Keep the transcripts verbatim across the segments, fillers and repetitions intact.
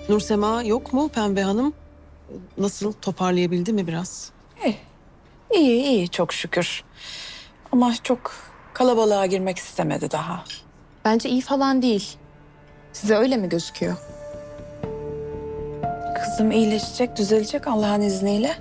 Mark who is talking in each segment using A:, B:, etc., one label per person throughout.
A: Nursema yok mu Pembe Hanım? Nasıl, toparlayabildi mi biraz?
B: İyi, iyi, iyi çok şükür. Ama çok kalabalığa girmek istemedi daha.
C: Bence iyi falan değil. Size öyle mi gözüküyor?
B: Kızım iyileşecek, düzelecek Allah'ın izniyle.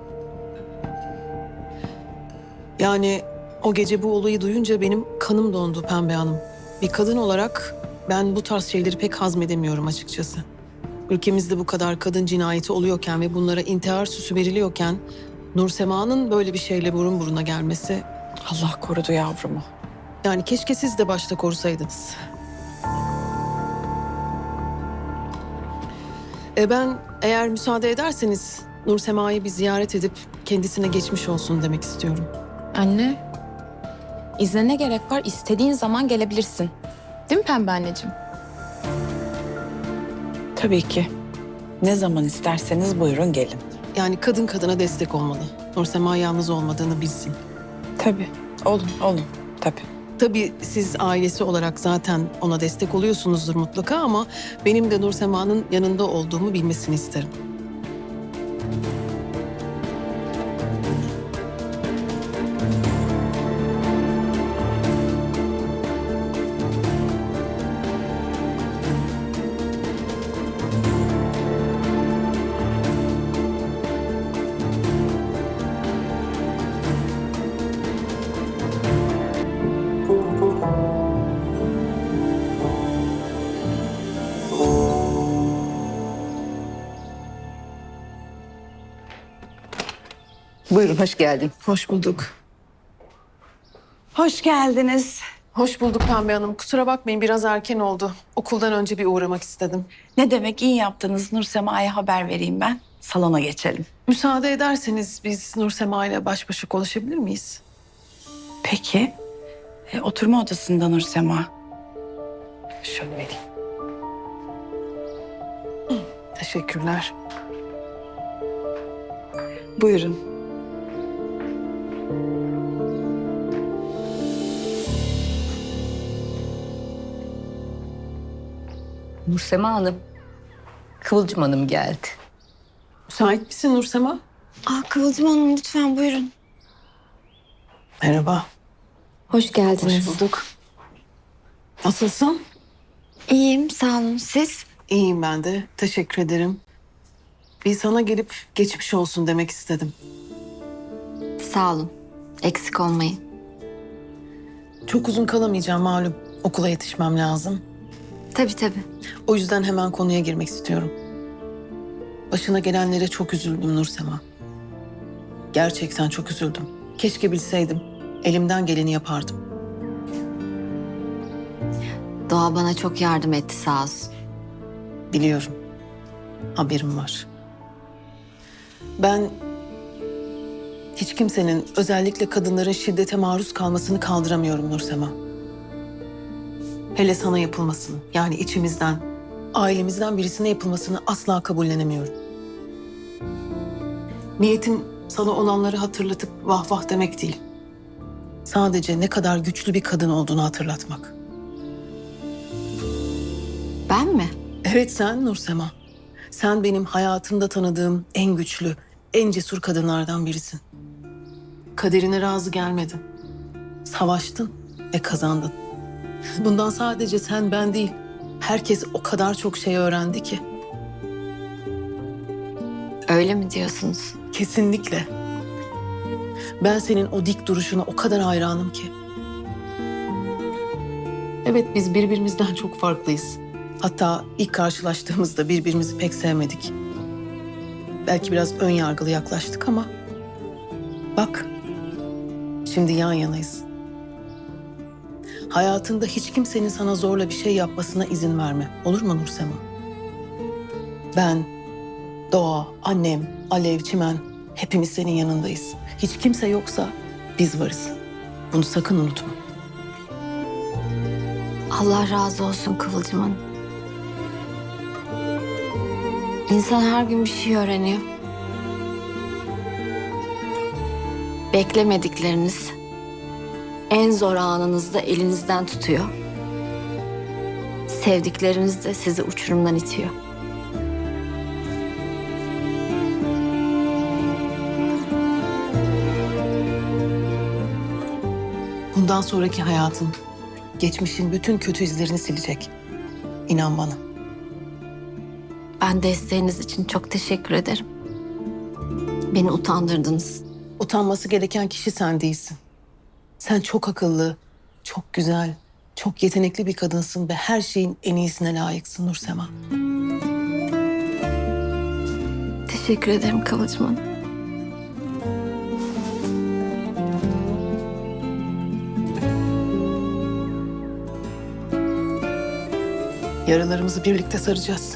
A: Yani o gece bu olayı duyunca benim kanım dondu Pembe Hanım. Bir kadın olarak ben bu tarz şeyleri pek hazmedemiyorum açıkçası. Ülkemizde bu kadar kadın cinayeti oluyorken ve bunlara intihar süsü veriliyorken Nursema'nın böyle bir şeyle burun buruna gelmesi...
B: Allah korudu yavrumu.
A: Yani keşke siz de başta korusaydınız. E ben eğer müsaade ederseniz Nursema'yı bir ziyaret edip kendisine geçmiş olsun demek istiyorum.
C: Anne, izne ne gerek var? İstediğin zaman gelebilirsin. Değil mi Pembe anneciğim?
B: Tabii ki. Ne zaman isterseniz buyurun gelin.
A: Yani kadın kadına destek olmalı. Nursema yalnız olmadığını bilsin.
B: Tabii. Olun, olun. Tabii.
A: Tabii siz ailesi olarak zaten ona destek oluyorsunuzdur mutlaka ama benim de Nursema'nın yanında olduğumu bilmesini isterim.
D: Buyurun, hoş geldin.
A: Hoş bulduk.
B: Hoş geldiniz.
A: Hoş bulduk Pembe Hanım. Kusura bakmayın biraz erken oldu. Okuldan önce bir uğramak istedim.
B: Ne demek iyi yaptınız. Nursema'ya haber vereyim ben. Salona geçelim.
A: Müsaade ederseniz biz Nursema ile baş başa konuşabilir miyiz?
B: Peki. E, oturma odasında Nursema.
A: Şöyle vereyim. Hı, teşekkürler.
B: Buyurun.
D: Nursema Hanım, Kıvılcım Hanım geldi.
A: Müsait misin Nursema?
E: Aa, Kıvılcım Hanım lütfen buyurun.
A: Merhaba.
E: Hoş geldiniz.
A: Hoş bulduk. Nasılsın?
E: İyiyim sağ olun. Siz?
A: İyiyim ben de. Teşekkür ederim. Bir sana gelip geçmiş olsun demek istedim.
E: Sağ olun. Eksik olmayın.
A: Çok uzun kalamayacağım malum. Okula yetişmem lazım.
E: Tabii tabii.
A: O yüzden hemen konuya girmek istiyorum. Başına gelenlere çok üzüldüm Nursema. Gerçekten çok üzüldüm. Keşke bilseydim. Elimden geleni yapardım.
E: Doğa bana çok yardım etti sağ olsun.
A: Biliyorum. Haberim var. Ben hiç kimsenin, özellikle kadınların şiddete maruz kalmasını kaldıramıyorum Nursema. Hele sana yapılmasını, yani içimizden, ailemizden birisine yapılmasını asla kabullenemiyorum. Niyetim sana olanları hatırlatıp vah vah demek değil. Sadece ne kadar güçlü bir kadın olduğunu hatırlatmak.
E: Ben mi?
A: Evet sen Nursema. Sen benim hayatımda tanıdığım en güçlü, en cesur kadınlardan birisin. Kaderine razı gelmedin. Savaştın ve kazandın. Bundan sadece sen ben değil, herkes o kadar çok şey öğrendi ki.
E: Öyle mi diyorsunuz?
A: Kesinlikle. Ben senin o dik duruşuna o kadar hayranım ki. Evet biz birbirimizden çok farklıyız. Hatta ilk karşılaştığımızda birbirimizi pek sevmedik. Belki biraz ön yargılı yaklaştık ama bak şimdi yan yanayız. Hayatında hiç kimsenin sana zorla bir şey yapmasına izin verme. Olur mu Nursema? Ben, Doğa, annem, Alev, Çimen hepimiz senin yanındayız. Hiç kimse yoksa biz varız. Bunu sakın unutma.
E: Allah razı olsun Kıvılcım Hanım. İnsan her gün bir şey öğreniyor. Beklemedikleriniz en zor anınızda elinizden tutuyor. Sevdikleriniz de sizi uçurumdan itiyor.
A: Bundan sonraki hayatın, geçmişin bütün kötü izlerini silecek. İnan bana.
E: Ben desteğiniz için çok teşekkür ederim. Beni utandırdınız.
A: Utanması gereken kişi sen değilsin. Sen çok akıllı, çok güzel, çok yetenekli bir kadınsın ve her şeyin en iyisine layıksın Nursema.
E: Teşekkür ederim Kıvılcım Hanım.
A: Yaralarımızı birlikte saracağız.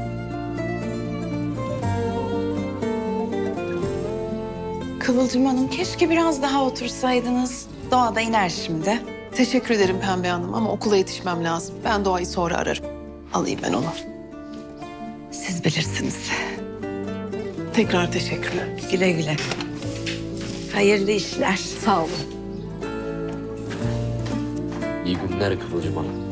B: Kıvılcım Hanım keşke biraz daha otursaydınız. Doğa da iner şimdi.
A: Teşekkür ederim Pembe Hanım ama okula yetişmem lazım. Ben Doğa'yı sonra ararım. Alayım ben onu.
B: Siz bilirsiniz.
A: Tekrar teşekkürler.
B: Güle güle. Hayırlı işler.
E: Sağ olun.
F: İyi günler Kıvılcım Hanım.